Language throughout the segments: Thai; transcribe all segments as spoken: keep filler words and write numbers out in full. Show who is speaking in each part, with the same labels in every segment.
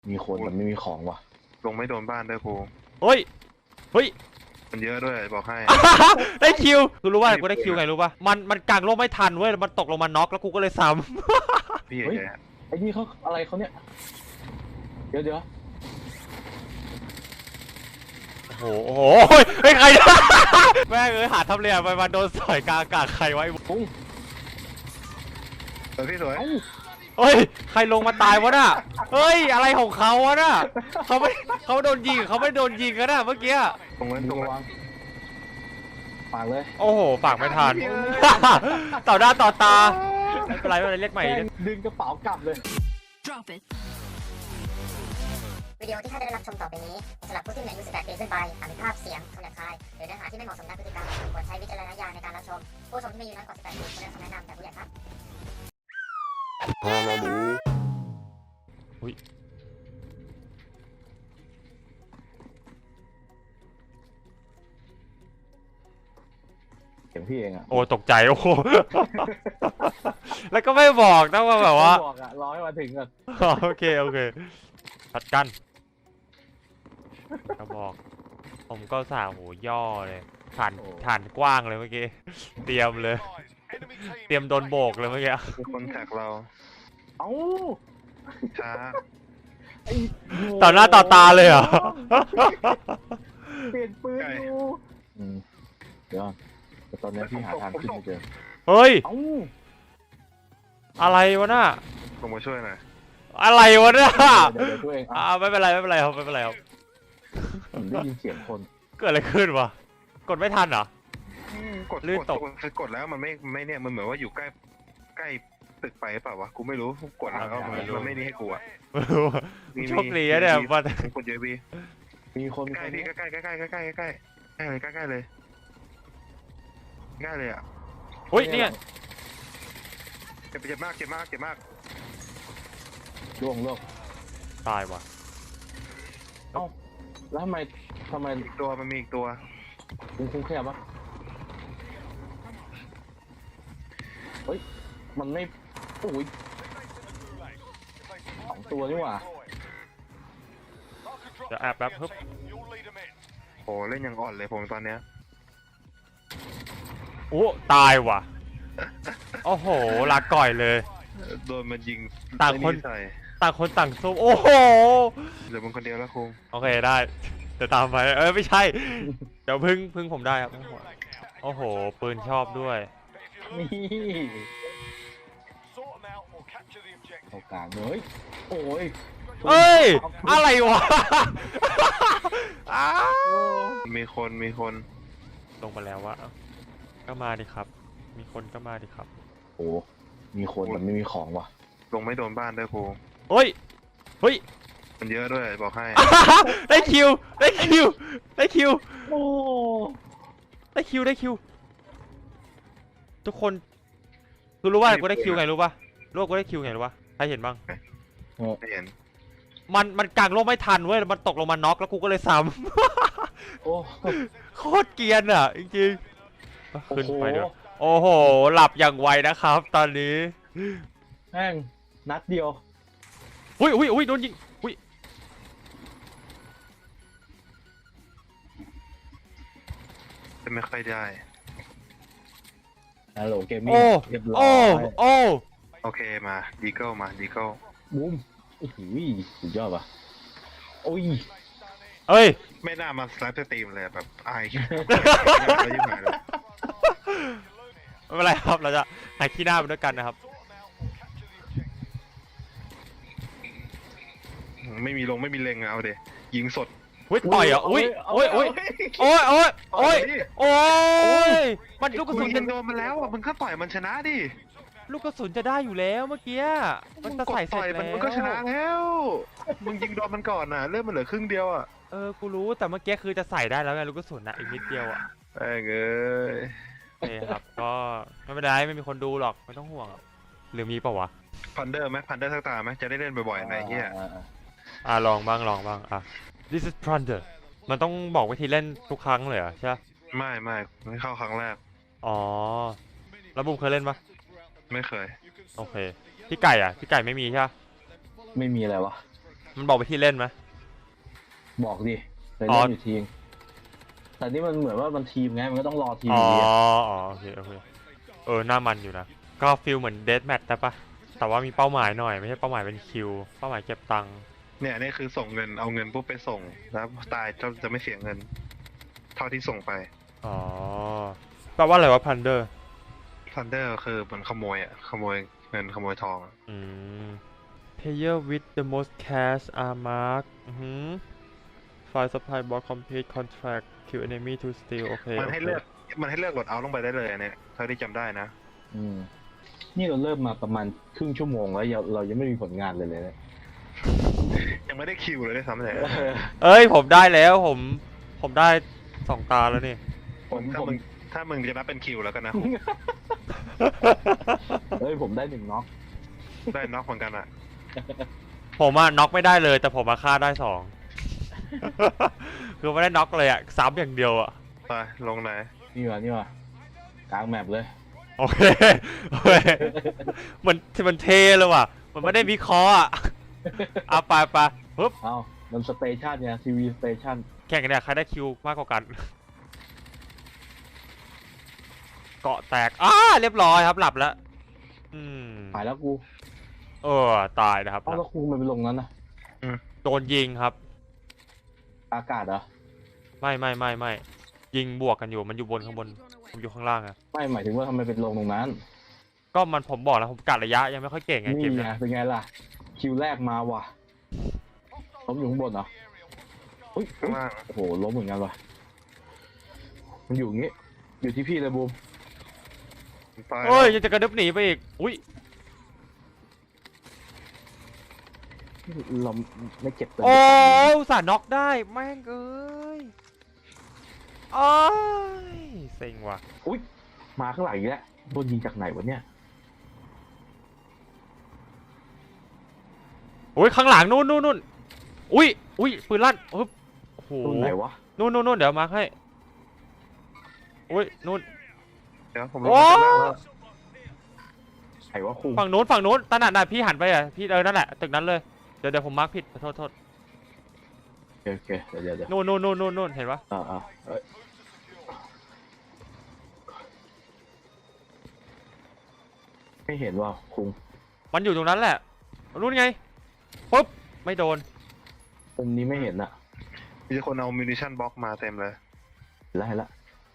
Speaker 1: มีคนแต่ไม่มีของว่ะ
Speaker 2: ลงไม่โดนบ้านด้วยครู
Speaker 3: เฮ้ยเฮ้ย
Speaker 2: มันเยอะด้วยบอกให้
Speaker 3: ได้คิวกูรู้ว่ากูได้คิวไงรู้ป่ะมันมันกางร่มไม่ทันเว้ยมันตกลงมาน็อกแล้วกูก็เลยซ้ำ
Speaker 2: พี่
Speaker 1: เฮ้ย
Speaker 2: แก
Speaker 1: ไอ้นี่เขาอะไรเขาเนี่ยเดี๋ยวเดี๋ยว
Speaker 3: โอ้โหโอ้โหเฮ้ยใคร แม่งเอ้ยหาทำเลียไปมาโดนสอยกลางอากาศใครไว้
Speaker 1: ปุ้ง
Speaker 2: สวยพี่สวย
Speaker 3: เฮ้ยใครลงมาตายวะน่ะเฮ้ยอะไรของเขาวะน่ะเขาไม่เขาโดนยิงเขาไม่โดนยิงกันน่ะเมื่อกี้
Speaker 2: ตรงนั้นตรง
Speaker 1: ระ
Speaker 2: นั้
Speaker 1: วัน งฝากเลย
Speaker 3: โอ้โหฝากไม่ทัน ต่อหน้าต่อตาไม่เป็นไรไม่เป็นไรเรียกใหม่
Speaker 1: ดึงกระเป๋ากลับเลย
Speaker 4: Drop it
Speaker 5: วิดีโอที่ท่านได้รับชมต่อไปนี้สำหรับผู้ที่มีอายุสิบแปดปีขึ้นไปอาจมีภาพเสียงคำหยาบคายหรือเนื้อหาที่ไม่เหมาะสมด้านพฤติกรรมควรใช้วิจารณญาณในการรับชมผู้ชมที่มีอายุน้อยกว่าสิบแปดปีควรได้รับคำแนะนำจากผู้ใหญ่ครับ
Speaker 3: อุ้ย
Speaker 1: เสียงพี่เองอ่ะ
Speaker 3: โอ้ตกใจโอ้โห แล้วก็ไม่บอกนะว่าแบบว่า
Speaker 1: บอกอ่ะรอให้มาถึงก่อน
Speaker 3: โอเคโอเคพัดกันก็บอกผมก็สาหูย่อเลยฐานฐานกว้างเลยเมื่อกี้เตรียมเลย เตรียมโดนโบกเลยเมื่อกี้
Speaker 2: มีคนแท็กเรา
Speaker 1: เอ้า
Speaker 2: ช้า
Speaker 1: ไอ้
Speaker 3: ต่อหน้าต่อตาเลยเหรอ
Speaker 1: เปลี่ยนปืนดูอืมเดี๋ยวแต่ตอนนี้พี่หาทางขึ้นไม่เจอ
Speaker 3: เฮ้ย
Speaker 1: เอ้า
Speaker 3: อะไรวะน่ะ
Speaker 2: ลงมาช่วยหน่อย
Speaker 3: อะไรวะน่ะ
Speaker 1: เดี๋ยวเดี๋ยวช่วยเอง
Speaker 3: อ่า
Speaker 1: อ่ะ
Speaker 3: ไม่เป็นไรไม่เป็นไรครับไม่เป็นไรครับ
Speaker 1: ผมได้ยินเสียงคน
Speaker 3: เกิดอะไรขึ้นวะกดไม่ทันเหรอ
Speaker 2: กด
Speaker 3: ลื่น
Speaker 2: กด
Speaker 3: ตก
Speaker 2: คือกดแล้วมันไม่ไม่เนี่ยมันเหมือนว่าอยู่ใกล้ใกล้ตึกไปเปล่าวะกูไม่รู้กดแล้วมันมันไม่นี่ให้กูอ่ะ
Speaker 3: ไม่รู้อะโชคดีนะเนี่ยว่า
Speaker 2: กดเยอะพี่
Speaker 1: มีคนมี
Speaker 2: ใก
Speaker 1: ค
Speaker 2: ล้
Speaker 1: น
Speaker 2: พี่ใกล้ใกล้ใกล้ใกล้ใกล้ใกล้ใกล้เลยใกล้ใกล้เลยใกล้เลยอ่ะ
Speaker 3: เฮ้ยเนี่ย
Speaker 2: เจ็บเจ็บมากเจ็บมากเจ็บมาก
Speaker 1: ล่วงล่วง
Speaker 3: ตายว่ะ
Speaker 1: เอ้าแล้วทำไมทำไม
Speaker 2: อีกตัวมันมีอีกตัว
Speaker 1: คุ้งคุ้งแคบวะเฮ้ยมันไม่โอ้ยสองตัวนี่หว่า
Speaker 3: เดี๋ยวแอบแป๊บฮึบ
Speaker 2: โหเล่นยังอ่อนเลยผมตอนเนี้ย
Speaker 3: โอ้ตายว่ะโอ้โหลาก่อยเลย
Speaker 2: โดนมันยิง
Speaker 3: ต่างคน
Speaker 2: ใส่
Speaker 3: ต่างคนต่างซุ่มโอ้โห
Speaker 2: เหลือมึงคนเดียวแล้วคง
Speaker 3: โอเคได้เดี๋ยวตามไปเออไม่ใช่เดี๋ยวพึ่งพึ่งผมได้ครับโอ้โหปืนชอบด้วย
Speaker 1: นี่โอกาสเลยโอ้ย
Speaker 3: เอ้ยอะไรวะ อ้าว
Speaker 2: มีคนมีคน
Speaker 3: ลงมาแล้ววะก็มาดิครับ มีคนก็มาดิครับ
Speaker 1: โอ้มีคนแต่ไม่มีของว่ะ
Speaker 2: ลงไม่โดนบ้านด้วยครู
Speaker 3: เฮ้ยเฮ้ย
Speaker 2: มันเยอะด้วยบอกให้
Speaker 3: ได้คิวได้คิวได้คิว
Speaker 1: โอ้
Speaker 3: ได้คิวได้คิวทุกคนคือรู้ว่ากูได้คิวไงรู้ป่ะรู้ว่ากูได้คิวไงรู้ป่ะใครเห็นบ้าง
Speaker 2: ไม่เห็น
Speaker 3: มันมันกางร่มไม่ทันเว้ยมันตกลงมาน็อกแล้วกูก็เลยซ้
Speaker 1: โอ้
Speaker 3: ำ โคตรเกรียนอ่ะจริงๆขึ้นไปด้วย
Speaker 1: โอ้
Speaker 3: โอ้โหหลับอย่างไวนะครับ ตอนนี้
Speaker 1: แม่งนัดเดียว
Speaker 3: อุ้ยอุ้ยอุ้ยโดนยิงอุ้ย
Speaker 2: จะไม่ค่อยได้
Speaker 1: ฮัลโหลเกมมิ่ง
Speaker 3: โอ้
Speaker 1: เรียบร้อ
Speaker 3: โอ้
Speaker 1: ย
Speaker 3: โอ้
Speaker 2: โอเคมาดีเกิลมาดีเกิล
Speaker 1: บูมโอ้โหสุดยอดป่ะโอ้ย
Speaker 3: เอ้ย
Speaker 2: ไม่น่ามาสไลด์สตรีมเลยแบบอายไม่ยิ่งหายเลย
Speaker 3: ไม่เป็นไรครับเราจะหายขี้หน้าไปด้วยกันนะครับ
Speaker 2: ไม่มีลงไม่มีเล็งอะเอาเดยิงสด
Speaker 3: อุ้ยต่อยอ่ะอุ้ยโอ้ยโอ้ยโอ้ยโอ้ยโอ้ยโอ้ยมันลูกกระ
Speaker 2: มึ
Speaker 3: สุ
Speaker 2: ง
Speaker 3: น
Speaker 2: ยิ
Speaker 3: จะ
Speaker 2: งโดนมันแล้วอ่ะมึงก็ต่อยมันชนะดิ
Speaker 3: ลูกกระสุนจะได้อยู่แล้วเมื่อกี้มันจะ
Speaker 2: กด
Speaker 3: ใส่เส
Speaker 2: ต่
Speaker 3: ร็
Speaker 2: อย
Speaker 3: จ
Speaker 2: มัน
Speaker 3: แล้ว
Speaker 2: มันก็ชนะแล้วมึงยิงโดนมันก่อนน่ะเริ่มมันเหลือครึ่งเดียวอ่ะ
Speaker 3: เออกูรู้แต่เมื่อกี้คือจะใส่ได้แล้วไงลูกกระสุนอ่ะอีกนิดเดียวอ่ะ
Speaker 2: ไอ้เอ้ย
Speaker 3: โอเคครับก็ไม่เป็นไรไม่มีคนดูหรอกไม่ต้องห่วงหรือมีเปล่าวะ
Speaker 2: พันเดอร์ไหมพันเดอร์สักตาไหมจะได้เล่นบ่อยๆในเงี้ย
Speaker 1: อ่าอ่า
Speaker 3: อ่ะลองบ้างลองบ้างอ่ะ This is Plunder มันต้องบอกวิธีเล่นทุกครั้งเลยเหรอใช่ปะ
Speaker 2: ไม่ไม่ไม่เข้าครั้งแรก
Speaker 3: อ๋อแล้วบุมเคยเล่นปะ
Speaker 2: ไม่เคย
Speaker 3: โอเคพี่ไก่อ่ะพี่ไก่ไม่มีใช่ปะ
Speaker 1: ไม่มีอะไรวะ
Speaker 3: มันบอกไปที่เล่นไหม
Speaker 1: บอกดิเคย
Speaker 3: อ๋อ
Speaker 1: เล่นอยู่ทีมแต่นี่มันเหมือนว่ามันทีมไงมันก็ต้องรอทีม
Speaker 3: อ๋
Speaker 1: อ
Speaker 3: อยู่
Speaker 1: ดีอะ
Speaker 3: อ๋อโอเคโอเคเออหน้ามันอยู่นะก็ฟิลเหมือนเดธแมทแต่ปะแต่ว่ามีเป้าหมายหน่อยไม่ใช่เป้าหมายเป็นคิวเป้าหมายเก็บตังค์
Speaker 2: เนี่ยนี่คือส่งเงินเอาเงินปุ๊บไปส่งแล้วตายจะจะไม่เสียเงิน เท่าที่ส่งไป
Speaker 3: อ๋อแปลว่าอะไรวะพันเดอร์
Speaker 2: ทันเดอร์คือมันขโมยอ่ะขโมยเงินขโมยทองอะ
Speaker 3: อืม player with the most cash are marked อือหือ file supply box complete contract kill enemy to steal โอเค
Speaker 2: มันให้
Speaker 3: โอค
Speaker 2: เลือกมันให้เลือกโหลดเอาลงไปได้เลยอันเนี่ยเท่าที่จำได้นะ
Speaker 1: อืมนี่เราเริ่มมาประมาณครึ่งชั่วโมงแล้วยังเรายังไม่มีผลงานเลยเลยเนี่ย
Speaker 2: ยังไม่ได้คิวเลยด้วยซ้ำเลย
Speaker 3: เอ้ยผมได้แล้วผมผมได้สองตาแล้วนี่
Speaker 1: ผม
Speaker 2: ถ้า
Speaker 1: ผม
Speaker 2: มึงถ้ามึงจะนับเป็นคิวแล้วกันนะ
Speaker 1: เฮ้ยผมได้หนึ่งน็อก
Speaker 2: ได้น็อกเหมือนกันอ่ะ
Speaker 3: ผมอะน็อกไม่ได้เลยแต่ผมมาฆ่าได้สอง คือไม่ได้น็อกเลยอะซ้ำอย่างเดียวอะ
Speaker 2: ไปลงไหน
Speaker 1: นี่ว่ะนี่ว่ะกลางแมปเลย
Speaker 3: โอเคโอเคเหมือนมันเทเลยว่ะมันไม่ได้วิเคราะห์อะเอาไปไปปึ๊บ
Speaker 1: เอ้ามันสเตชันเนี่ยทีวีสเตชัน
Speaker 3: แข่งกันเนี่ยใครได้คิวมากกว่ากัน เกาะแตกอ้าเรียบร้อยครับหลับแล้วอืม
Speaker 1: หายแล้วกู
Speaker 3: เออตายนะครับ
Speaker 1: เอ้าแล้วกูมันไปลงนั้นนะ
Speaker 3: โดนยิงครับ
Speaker 1: อากาศเหรอ
Speaker 3: ไม่ไม่ไม่ไม่ยิงบวกกันอยู่มันอยู่บนข้างบนผมอยู่ข้างล่างอะ
Speaker 1: ไม่หมายถึงว่าทำไมเป็นลงตรงนั้น
Speaker 3: ก็มันผมบอกแล้วผมกัดระยะยังไม่ค่อยเก่งไง
Speaker 1: นี่
Speaker 3: เกม
Speaker 1: ไง
Speaker 3: เนี้ย
Speaker 1: เป็นไงล่ะคิวแรกมาว่ะล้มอยู่ข้างบนเหรออุ้ย
Speaker 2: ข้างล่าง
Speaker 1: โอ้โหล้มเหมือนกันว่ะมันอยู่อย่างงี้ อยู่ที่พี่เลยบูม
Speaker 2: ไป
Speaker 3: เอ้ยยังจะกระดึบหนีไปอีกอุ้ย
Speaker 1: เราไม่เจ็บตัว
Speaker 3: โอ้ยอุตส่าห์น็อกได้แม่งเอ้ยโอ้ยเซ็งว่ะ
Speaker 1: อุ้ยมาข้างหลังอีกแล้วโดนยิงจากไหนวะเนี่ย
Speaker 3: โอ้ยข้างหลังนู่นนู่นนู่นอุ้ยอุ้ยปืนลั่นโอ้โห
Speaker 1: ตรงไหนวะ
Speaker 3: นู่นนู่นนู่นเดี๋ยวมาร์คให้อุ้ยนู่น
Speaker 2: เดี๋ยวผมลง
Speaker 3: โอ้
Speaker 2: มาข้างล่างแล้ว
Speaker 1: ไหนวะครู
Speaker 3: ฝั่งนู้นฝั่งนู้นตาหนัดน่ะพี่หันไปอ่ะพี่เออนั่นแหละตึกนั้นเลยเดี๋ยวเดี๋ยวผมมาร์คผิดขอโทษโทษ
Speaker 1: โอเคโอเคเดี๋ยวเดี๋ยวเดี๋ยว
Speaker 3: นู่นนู่นนู่นนู่นนู่นเห็นปะ
Speaker 1: อ่าอ่าเอ้ยไม่เห็นว่าคุง
Speaker 3: มันอยู่ตรงนั้นแหละนู่นไงปุ๊บไม่โดน
Speaker 1: มุมนี้ไม่เห็นอะ
Speaker 2: มีคนเอามินิชั่นบ็อกมาเต็มเลย
Speaker 1: เห็นแล้วเห็นแล้ว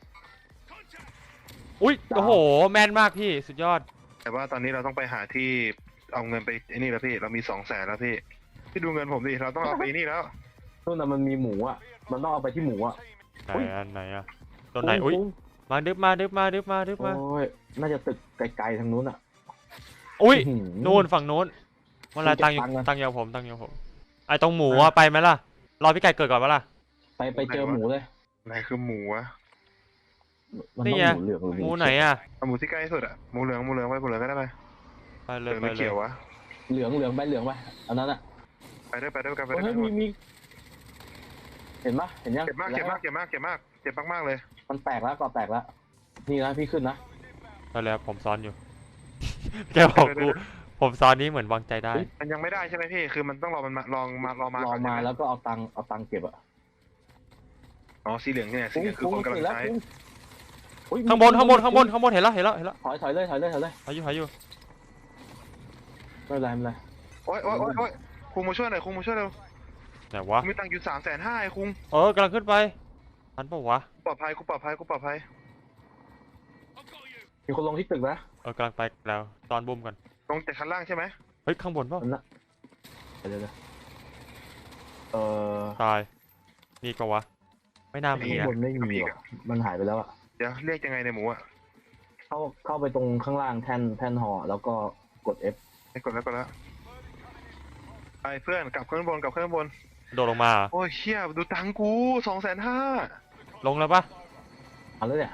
Speaker 3: อุ้ย
Speaker 1: ดาว
Speaker 3: โอ้โหแมนมากพี่สุดยอด
Speaker 2: แต่ว่าตอนนี้เราต้องไปหาที่เอาเงินไปไอ้นี่แล้วพี่เรามีสองแสนแล้วพี่พี่ดูเงินผมดิเราต้องเอาไปนี่แล้ว
Speaker 1: นู่นน่ะมันมีหมูอะมันต้องเอาไปที่หมูอะ
Speaker 3: ไหน
Speaker 1: อุ๊ย
Speaker 3: อันไหนอะตัวไหนอุ้ย
Speaker 1: คุง
Speaker 3: มาดึบมาดึบมาดึบมาดึบ
Speaker 1: คุง
Speaker 3: มา
Speaker 1: โอ้ยน่าจะตึกไกลๆทางนู้นอะ
Speaker 3: อุ้ย
Speaker 1: อื้อหือ
Speaker 3: นู่นฝั่งนู้นเวลา
Speaker 1: เก็บ
Speaker 3: ตังค์อยู่
Speaker 1: ตังค์ก่อน
Speaker 3: ตังค์อยู่กับผมตังค์อยู่กับผมไอ้ตรงหมูอะไปไหมล่ะรอพี่ไก่เกิดก่อนปะล่ะ
Speaker 1: ไปไปเจอหมูเลย
Speaker 2: ไหนคือหมูอะ
Speaker 1: มัน
Speaker 3: นี่
Speaker 1: ต้อง
Speaker 3: ไง
Speaker 1: หมูเหลืองรือ
Speaker 3: หมูไหนอะ
Speaker 2: เอาหมูที่ใกล้ที่สุดอะหมูเหลืองหมูเหลืองไปหมูเหลืองก็ได้ไหม
Speaker 3: ไปเล
Speaker 2: เหลื
Speaker 3: ย
Speaker 2: อง
Speaker 3: ไป
Speaker 2: ไม่
Speaker 3: เล
Speaker 2: เขี
Speaker 3: ย
Speaker 2: ยววะ
Speaker 1: เหลืองเหลืองไปเหลืองไปอันนั้นอะ
Speaker 2: ไปด้วยไปด้วยกันไปด้ว
Speaker 1: เฮ้
Speaker 2: ย
Speaker 1: ย
Speaker 2: กันหม
Speaker 1: มี
Speaker 2: ด
Speaker 1: มีเห็นปะเห็นยัง
Speaker 2: เจ็บมากเจ็บมากเจ็บมากเจ็บมากเจ็บมากๆเลย
Speaker 1: มันแตกแล้วก่อแตกแล้วนี่นะพี่ขึ้นนะ
Speaker 3: ไปแล้วผมซ้อนอยู่ แกบอกกูผมซ้อนนี้เหมือนวางใจได้
Speaker 2: มันยังไม่ได้ใช่ไหมพี่คือมันต้องรอมันมาลองมารอมาร
Speaker 1: อ
Speaker 2: ก่อน
Speaker 1: มา
Speaker 2: ใช่ไห
Speaker 1: แล้วก็เอาตังค์เอาตังค์เก็บอะ
Speaker 2: อ๋อสีเหลืองเนี่ยสีเหลืองคือคนกำลัง
Speaker 1: แล้ว
Speaker 2: ใช้
Speaker 1: คุงอุ๊ย
Speaker 3: ข้างบนข้างบนข้างบนข้างบนเห็นแล้วเห็นแล้วเห็นแล้ว
Speaker 1: ถอยถอยเลยถอยเลยถอยเลย
Speaker 3: หาอยู่หาอยู่
Speaker 1: ไม่เป็นไรไม่เป็นไร
Speaker 2: โอ๊ยโอ๊ยโอ๊ยโอ๊ยคุงมาช่วยหน่อยคุงมาช่วยเร็ว
Speaker 3: ไหนวะ
Speaker 2: มีตังค์อยู่สามแสนห้าไอ้คุง
Speaker 3: เออกำลังขึ้นไปทันปะวะ
Speaker 2: ปลอดภัยกูปลอดภัยกูปลอดภัย
Speaker 1: มีคนลงที่ตึกนะ
Speaker 3: เออกำลังไปแล้วตอนบุ้มกัน
Speaker 2: ลงจากชั้นล่างใช่ไหม
Speaker 3: เฮ้ยข้างบนเปล่า
Speaker 1: มันละเดี๋ยวเดี๋ยวเออ
Speaker 3: ตายมีปะวะไม่น่ามี
Speaker 1: ข้าง
Speaker 3: นะ
Speaker 1: บนไม่มีว่ะมันหายไปแล้วอะ
Speaker 2: เดี๋ยวเรียกยังไงในหมูอ่ะ
Speaker 1: เข้าเข้าไปตรงข้างล่างแท่นแท่นหอแล้วก็กด F
Speaker 2: ให้กดแล้วกดแล้วไปเพื่อนกลับขึ้นบนกลับขึ้นบน
Speaker 3: โดดลงมาเหรอ
Speaker 2: โอ้ยเชี่ยดูตังค์กูสองแสนห้า
Speaker 3: ลงแล้วปะ
Speaker 1: เอาแล้วเนี่ย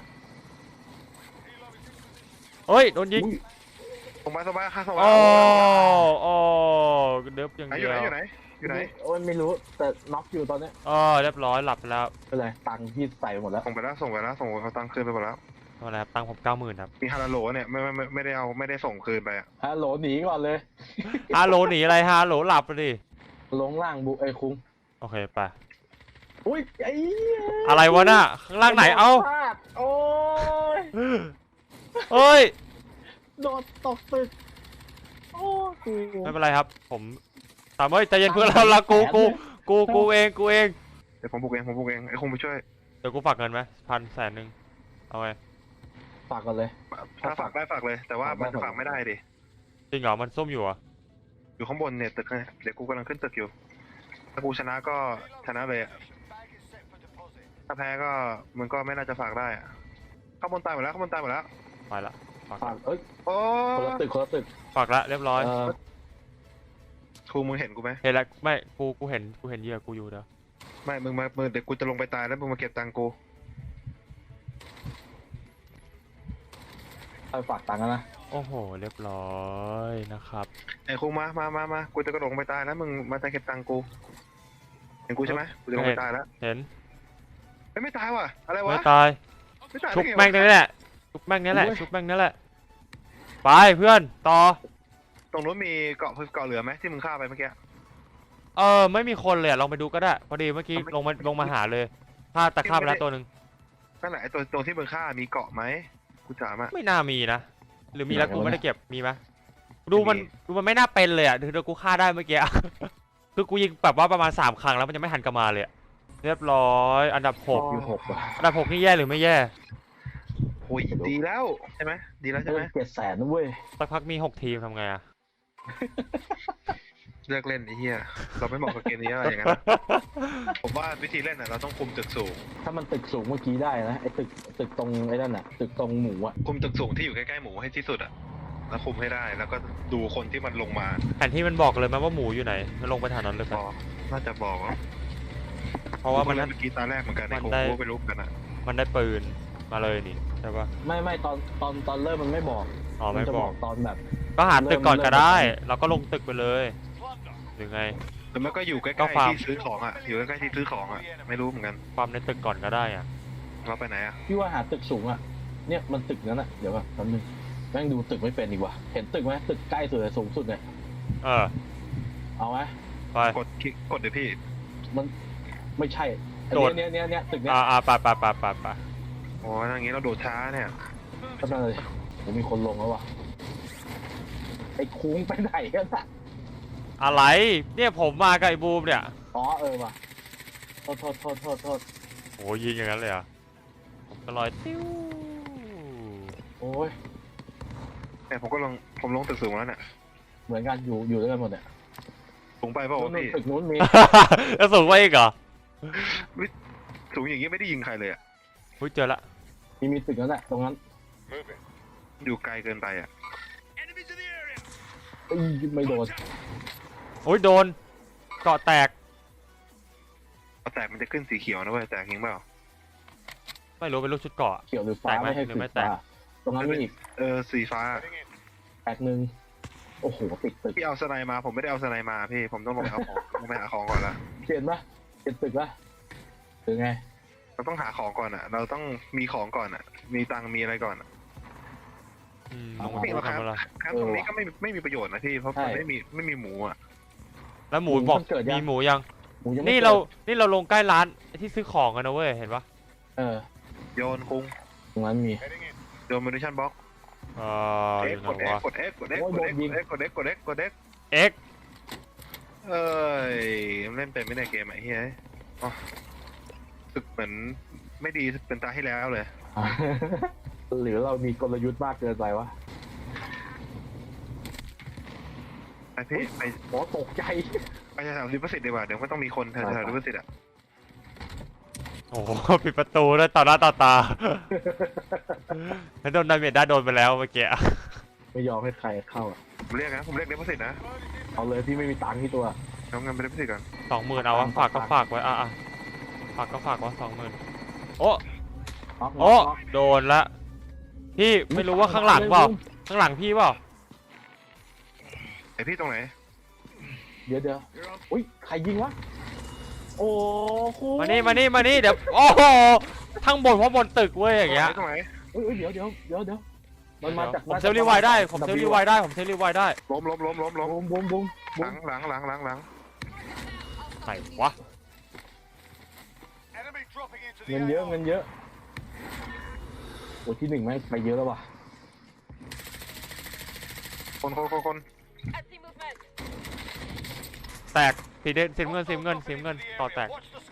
Speaker 3: เฮ้ยโดนยิง
Speaker 1: อุ้ย
Speaker 2: สบายสบายค่ะสบาย
Speaker 3: โอ้โอ้เดิบอย่าง
Speaker 2: ไหนอ
Speaker 3: เดี
Speaker 2: ยู่
Speaker 3: ย
Speaker 2: ไหน
Speaker 3: ว
Speaker 2: อยู่ไหนอยู่ไหน
Speaker 1: โอ้ยไม่รู้แต่น็อกอยู่ตอนเนี้ย
Speaker 3: อ๋อเรียบร้อยหลับไปแล้ว
Speaker 1: เป็นไรตังค์พี่ใส่ไปหมดแล้ว
Speaker 2: ส่งไปแล้วส่งไปแล้วส่งเอาตังค์คืนไปหมดแล้ว
Speaker 3: ทำอะไรครับตังค์ผมเก้าหมื่นครับ
Speaker 2: มีฮาราโหลเนี่ยไม่ไม่ไม่ไม่ได้เอาไม่ได้ส่งคืนไปอ่ะ
Speaker 1: ฮัลโหลหนีก่อนเลย
Speaker 3: ฮัลโหลหนีอะไรฮัลโหลหลับไปดิ
Speaker 1: ลงล่างบุไอ้คุ้ง
Speaker 3: โอเคไป
Speaker 1: อุ้ยไอ้เหี้ย
Speaker 3: อะไรวะน่ะข้างล่างไหนเอ้า
Speaker 1: พลาดโอ้ย
Speaker 3: เอ้ย
Speaker 1: โดดตกตึกโอ้กู
Speaker 3: ไม่เป็นไรครับ ผมตามเอ้ยใจเย็นเพื่อนเราละกูกูกูกูเองกูเอง
Speaker 2: เดี๋ยวผมบุกเองผมบุกเองไอ้คงไปช่วย
Speaker 3: เดี๋ยวกูฝากเงินไหมพันแสนหนึ่งเอาไง
Speaker 1: ฝากกันเลย
Speaker 2: ถ้าฝากได้ฝากเลย แต่ว่ามันฝากไม่ได้ดิ
Speaker 3: จริงเหรอมันส้มอยู่เหรอ่ะ
Speaker 2: อยู่ข้างบนเนี่ยตึกไงเดี๋ยวกูกำลังขึ้นตึกอยู่ถ้ากูชนะก็ชนะเลยอะถ้าแพ้ก็มึงก็ไม่น่าจะฝากได้อะข้างบนตายหมดแล้วข้างบนตายหมดแล้ว
Speaker 3: ไปละฝาก
Speaker 1: ฝากเอ้ย
Speaker 2: โอ้
Speaker 1: คนละตึกคนละตึก
Speaker 3: ฝากละเรียบร้อย
Speaker 1: เออ
Speaker 2: ครูมึงเห็นกูไหม
Speaker 3: เห็นแล้วไม่กูกูเห็นกูเห็นเหยื่อกูอยู่เด้อ
Speaker 2: ไม่มึงมามึงเดี๋ยวกูจะลงไปตายแล้วมึงมาเก็บตังค์กู
Speaker 1: ไปฝากตังค์กันนะ
Speaker 3: โอ้โหเรียบร้อยนะครับ
Speaker 2: ไอ้ครูมามามามากูจะกระโดดลงไปตายแล้วมึงมาเก็บตังค์กูเห็นกูใช่ไหมกูจะลงไปตายแล้ว
Speaker 3: เห็น
Speaker 2: เฮ้ยไม่ตายว่ะอะไรวะ
Speaker 3: ไม่ตาย
Speaker 2: ไม่ตาย
Speaker 3: ชุบ
Speaker 2: ได้ไงวะ
Speaker 3: แม่งนี่แหละชุบแม่งนี่แหละชุบแม่งนี่แหละไปเพื่อนต่อ
Speaker 2: ตรงนู้นมีเกาะเกาะเหลือไหมที่มึงฆ่าไปเมื่อกี้
Speaker 3: เออไม่มีคนเลยอะลองไปดูก็ได้พอดีเมื่อกี้ลงมาลงมาหาเลยฆ่าตะฆ่าไปแล้วตัวหนึ่ง
Speaker 2: นั่นแหละไอ้ตัวตรงที่มึงฆ่ามีเกาะไหมกูถามอ่ะ
Speaker 3: ไม่น่ามีนะหรือมีแล้วกูไม่ได้เก็บมีไหมดูมันดูมันไม่น่าเป็นเลยอ่ะคือกูฆ่าได้เมื่อกี้ คือกูยิงแบบว่าประมาณสามครั้งแล้วมันยังไม่หันกลับมาเลยอะเรียบร้อยอันดับหก
Speaker 1: อยู่หกว่ะ
Speaker 3: อันดับหกนี่แย่หรือไม่แย่
Speaker 2: โอ้ยดีแล้วใช่ไหมดีแล้วใช่ไหม
Speaker 1: เจ็ดแสนนะเว้ย
Speaker 3: สักพักมีหกทีมทำไงอะ
Speaker 2: เลิกเล่นไอ้เหี้ยเราไม่เหมาะกับเกมนี้อะไรอย่างนั้นนะผมว่าวิธีเล่นอ่ะเราต้องคุมตึกสูง
Speaker 1: ถ้ามันตึกสูงเมื่อกี้ได้นะไอ้ตึกตึกตรงไอ้นั่นน่ะตึกตรงหมูอ่ะ
Speaker 2: คุมตึกสูงที่อยู่ใกล้ๆหมูให้ที่สุดอ่ะแล้วคุมให้ได้แล้วก็ดูคนที่มันลงมา
Speaker 3: แผนที่มันบอกเลยไหมว่าหมูอยู่ไหนมันลงไปฐานนั้นเลย
Speaker 2: บ
Speaker 3: กัน
Speaker 2: อกน่าจะบอกว่า
Speaker 3: เพราะว่ามัน
Speaker 2: เมื่อกี้ตาแรกเหมือนกัน
Speaker 3: มั
Speaker 2: ไอ้
Speaker 3: น
Speaker 2: โค
Speaker 3: ได้
Speaker 2: โค่ไปรู้กันอ่ะ
Speaker 3: มันได้ปืนมาเลยนี่ใช่ปะ
Speaker 1: ไม่ไม่ตอนตอนตอนเริ่มมันไม่บอก
Speaker 3: อ๋อไม่
Speaker 1: จะ
Speaker 3: บบ อ
Speaker 1: อก กตอนแบบ
Speaker 3: ก็หาตึกก่อน
Speaker 1: เริ่ม
Speaker 3: ก็ได้
Speaker 1: เริ่ม
Speaker 3: เราก็ลงตึกไปเลยหรือไง
Speaker 2: แต่มันก็อยู่ใก
Speaker 3: ก็
Speaker 2: ล้
Speaker 3: ฟาร์ม
Speaker 2: ๆที่ซื้อของอ่ะอยู่ใกล้ๆที่ซื้อของอ่ะไม่รู้เหมือนกัน
Speaker 3: ความในตึกก่อนก็ได้อะ
Speaker 2: เราไปไหนอ่ะ
Speaker 1: พี่ว่าหาตึกสูงอ่ะเนี่ยมันตึกนั้นอ่ะเดี๋ยวก่อนแป๊บนึงแม่งดูตึกไม่เป็นดีกว่าเห็นตึกไหมตึกใกล้สุดเลยสูงสุดเนี่ย
Speaker 3: เออ
Speaker 1: เอาไหม
Speaker 3: ไป
Speaker 2: กดคลิกกดเดี๋ยวพี่
Speaker 1: มันไม่ใช่ไอ้
Speaker 3: โดด
Speaker 1: เนี้ยเนี้ยเนี้ยตึกเนี้ย
Speaker 3: อ่าอ่าไปไปไปไปไป
Speaker 2: โอ้ยอย่างงี้เราโดดช้าเนี่ย
Speaker 1: ก็นั่นเลยผมมีคนลงแล้วว่ะไอ้คุ้งไปไหนกันอ่ะ
Speaker 3: อะไรเนี่ยผมมากับไอ้บูมเนี่ย
Speaker 1: อ๋อเออว่ะโทษโทษโทษโทษโทษ
Speaker 3: โอ้ยิงอย่างนั้นเลยเหรอ่ะผมก็ลอยติ้ว
Speaker 1: โอ้ย
Speaker 2: เนี่ยผมก็ลงผมลงตึกสูงแล้วเนี่ย
Speaker 1: เหมือนกันอยู่อยู่ด้วยกันหมดเนี่ย
Speaker 2: สูงไปเปล่าวะ
Speaker 1: นู่น
Speaker 2: พี่
Speaker 1: ตึกนู้นมี
Speaker 3: แล้วสูงไปอีกเหรอ
Speaker 2: สูงอย่างงี้ไม่ได้ยิงใครเลยอ่ะ
Speaker 3: อุ้ยเจอละ
Speaker 1: มีมีตึกนั้นแหละตรงนั้น
Speaker 2: อยู่ไกลเกินไปอ่ะ
Speaker 1: เอ้ยไม่โดน
Speaker 3: โอ้ยโดนเกาะแตก
Speaker 2: พอแตกมันจะขึ้นสีเขียวนะเว้ยแตกจริงเปล่า
Speaker 3: ไม่รู้เป็นลูกชุดเกาะ
Speaker 1: เขียวหรือฟ้า
Speaker 3: แตกไหม
Speaker 1: ไม่ให้
Speaker 3: หรือ
Speaker 1: ติ
Speaker 3: ไม่
Speaker 1: ด
Speaker 3: แตก
Speaker 1: ฟ้าตรงนั้นมีอีก
Speaker 2: เออสีฟ้า
Speaker 1: แตกหนึ่งโอ้โหติดตึก
Speaker 2: พี่เอาสไนมาผมไม่ได้เอาสไนมาพี่ผมต้องลงไปเอาของ ต้องไปหาของก่อนละ
Speaker 1: เห็นปะเห็นตึกปะหรือไง
Speaker 2: เราต้องหาของก่อนอ่ะ เราต้องมีของก่อนอ่ะ มีตังค์มีอะไรก่อนอะ
Speaker 3: อืม
Speaker 1: เอา
Speaker 3: ลงมา
Speaker 2: เอา
Speaker 3: ทำอะไร
Speaker 2: ครับตรงนี้ก็ไม่ไม่มีประโยชน์นะพี่เพราะมันไม่มีไม่มีหมูอ่ะ
Speaker 3: แล้วหมูบอกมีหมูยัง
Speaker 1: หมูยังไม่
Speaker 3: นี่
Speaker 1: กิด
Speaker 3: เรานี่เราลงใกล้ร้านที่ซื้อของกันนะเว้ยเห็นปะ
Speaker 1: เออ
Speaker 2: โยนคุง
Speaker 1: ตรงนั้นมี
Speaker 2: โยนมินิชั่นบ็อก
Speaker 3: เออ
Speaker 2: เอ็
Speaker 3: อก ยู่ไห
Speaker 2: กด
Speaker 3: น
Speaker 2: เอ็ก
Speaker 3: วะ
Speaker 2: กดเอ็กกดเอ็กกดเอ็กกดเอ็กกดเอ็กกดเอ็กกดเอ็ก
Speaker 3: เอ็ก
Speaker 2: เอ้ยเล่นเป็นไม่ได้เกมไอ้เฮ้ยอ๋อสึกเหมือนไม่ดีเป็นตาให้แล้วเลย
Speaker 1: หรือเรามีกลยุทธ์มากเกินไปวะ
Speaker 2: ไปพี่ไป
Speaker 1: โอ้ตกใจ
Speaker 2: ไปแถวริเวอร์ซิตดีกว่าเดี๋ยวก็ต้องมีคนแถวริเวอร์ซิตอ่ะ
Speaker 3: โอ้โหปิดประตูด้วยต่อหน้าต่อตาแล้วโดนดาเมจได้โดนไปแล้วเมื่อกี้
Speaker 1: ไม่ยอมให้ใครเข้าอะ
Speaker 2: ผมเรียกนะผมเรียกริเวอร์ซิตนะ
Speaker 1: เอาเลยพี่ไม่มีตังค์ที่ตัว
Speaker 2: เอาเงินไปริเวอร์ซิตก่อน
Speaker 3: สองหมื่นเอาวะฝากก็ฝากไว้อ่ะอ่ะฝากก็ฝากไว้สองหมื่นโอ้
Speaker 1: น็อก
Speaker 3: โอ้
Speaker 1: น็อกน็อก
Speaker 3: โดนละพี่ไม่รู้ว่าข้างหลังเปล่าข้างหลังพี่เปล่า
Speaker 2: ไอพี่ตรงไหน
Speaker 1: เดี๋ยวเดี๋ยวอุ้ยใครยิงวะโอ้โห
Speaker 3: มานี่มานี่มานี่เดี๋ยวโอ้โหทั้งบนเพราะบนตึกเว้ยอย่างเงี้ย
Speaker 2: ตรงไหน
Speaker 1: เอ้ยเอ้ยเดี๋ยวเดี๋ยวเดี๋ยวเดี๋ยวมันมาจาก
Speaker 3: ผมเซลล์รีไวล์ได้ผมเซลล์รีไวล์ได้ผมเซลล์รีไวล์ได้
Speaker 2: ล้มล้มล้มล้มล้ม
Speaker 1: บูมบูมบูม
Speaker 2: หลังหลังหลังหลังหลัง
Speaker 3: ไหนวะ
Speaker 1: เงินเยอะเงินเยอะโอ้ที่หนึ่งแม่งไปเยอะแล้วว่ะ
Speaker 2: คนคนคนคน
Speaker 3: แตกสีเดสีเงินสีเงินสีเงินต่อแตก